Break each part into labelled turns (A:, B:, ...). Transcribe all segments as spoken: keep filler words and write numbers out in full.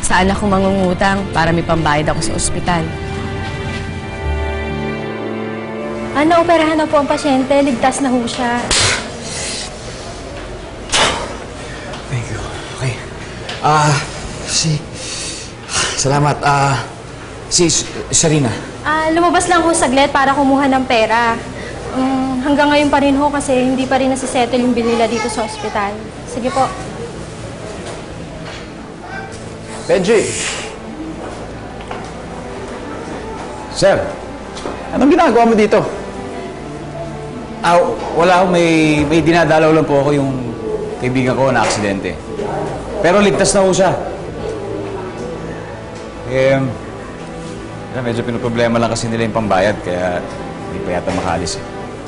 A: sa anak kong mangungutang para may pambayad ako sa ospital.
B: Ano, operahan na po ang pasyente. Ligtas na ho siya.
C: Thank you. Okay. Ah, uh, si... Salamat. Ah, uh, si Sharina.
B: Ah, lumabas lang ho saglit para kumuha ng pera. Um, hanggang ngayon pa rin ho kasi hindi pa rin nasisettle yung bill nila dito sa ospital. Sige po.
D: Benji! Sir, anong ginagawa mo dito?
C: Ah, wala ako. May, may dinadalaw lang po ako yung kaibigan ko na aksidente. Pero ligtas na po siya. Eh, medyo pinoproblema lang kasi nila yung pambayad, kaya hindi pa yata makaalis eh.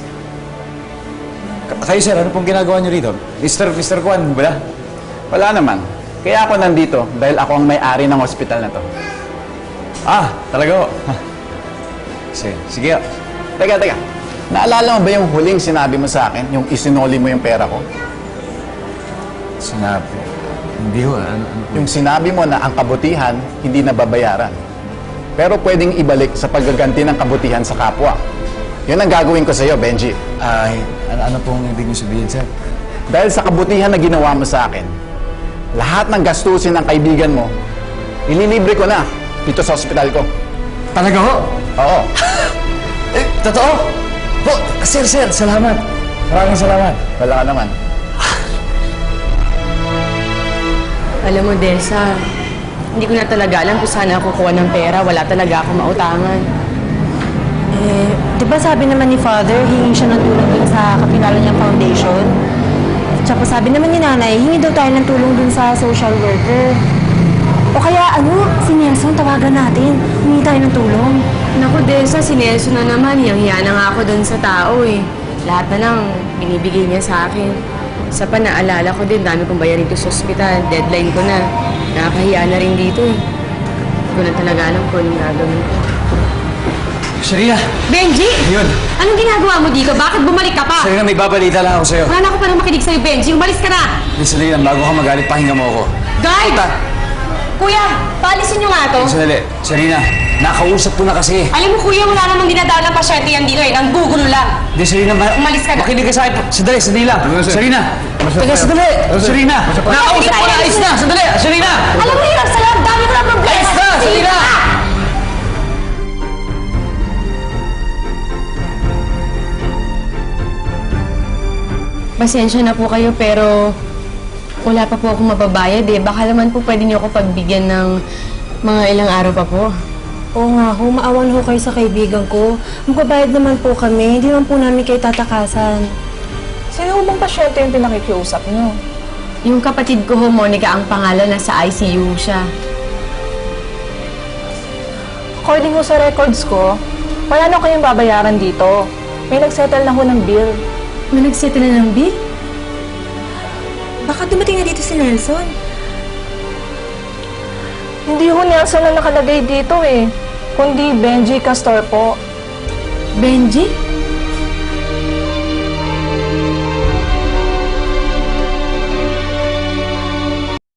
C: K- kayo sir, ano pong ginagawa niyo rito? Mister Mister Kwan, ba?
D: Wala naman. Kaya ako nandito dahil ako ang may-ari ng ospital na to.
C: Ah, talaga ho. Sige, sige.
D: Teka, teka. Naalala mo ba yung huling sinabi mo sa akin? Yung isinoli mo yung pera ko?
C: Sinabi. Hindi ho. Ano, ano,
D: Yung sinabi mo na ang kabutihan, hindi nababayaran. Pero pwedeng ibalik sa paggaganti ng kabutihan sa kapwa. Yun ang gagawin ko sa iyo, Benji.
C: Ay, ano, ano pong ibig niyo sabihin, sir?
D: Dahil sa kabutihan na ginawa mo sa akin, lahat ng gastusin ng kaibigan mo, ililibre ko na dito sa ospital ko.
C: Talaga ho?
D: Oo.
C: Eh, totoo? Po, sir, sir, salamat. Maraming salamat.
D: Wala ka naman.
A: Alam mo, Desa, hindi ko na talaga alam kung saan ako kukuha ng pera. Wala talaga ako mautangan.
B: Eh, di ba sabi naman ni Father, hingi siya ng tulong dun sa kapilala niyang foundation? Tsaka sabi naman ni Nanay, hingi daw tayo ng tulong dun sa social worker. O kaya ano, si Nelson, tawagan natin. Hingi tayo ng tulong.
A: Naku, Desa, si Nelson na naman. Yang-hiya na nga ako doon sa tao eh. Lahat na lang binibigay niya sa akin. Sa pa, naalala ko din, dami kong bayarin dito sa ospital. Deadline ko na. Nakakahiya na rin dito eh. Hindi ko na talaga alam kung anong gagawin ko.
C: Sharina!
A: Benji!
C: Yun!
A: Anong ginagawa mo dito? Bakit bumalik ka pa?
C: Sharina, may babalita lang ako sa'yo.
A: Wala na ako parang makinig sa'yo, Benji. Umalis ka na!
C: Sharina, bago ka magalit, pahinga mo ako.
A: Guard!
C: Ta
A: Kuya, paalisin niyo nga to.
C: Sandali. Sharina, nakausap ko na kasi.
A: Alam mo, kuya, wala namang dinadala ng pasyente yan dito eh. Nanggugulo lang.
C: Hindi, Sharina, ma
A: Umalis ka na.
C: makinig ka sa akin. Sandali, sandali lang.
D: Ano, sir?
C: Sharina!
D: Masok
C: Teka,
D: kayo.
C: sandali!
D: Ano, sir?
C: Sharina!
D: Masok kayo.
C: Nakausap ko na, ayos na! Sandali! Sharina!
A: Alam mo, hirap sa loob. Dami ko na problema.
C: Ayos na! Sandali na!
A: Pasensya na po kayo, pero wala pa po akong mababayad eh. Baka naman po pwede niyo ako pagbigyan ng mga ilang araw pa po.
B: Oo nga ho, maawan ho kayo sa kaibigan ko. Magbabayad naman po kami, hindi naman po namin kayo tatakasan.
E: Sino bang pasyente yung pinakikiusap niyo?
A: Yung kapatid ko ho, Monica, ang pangalan, nasa I C U siya.
E: According mo sa records ko, wala na kayong babayaran dito. May nagsettle na ho ng bill.
A: May nagsettle na ng bill?
B: Baka dumating na dito si Nelson.
E: Hindi ho Nelson na nakalagay dito eh, kundi Benji Castor po.
A: Benji?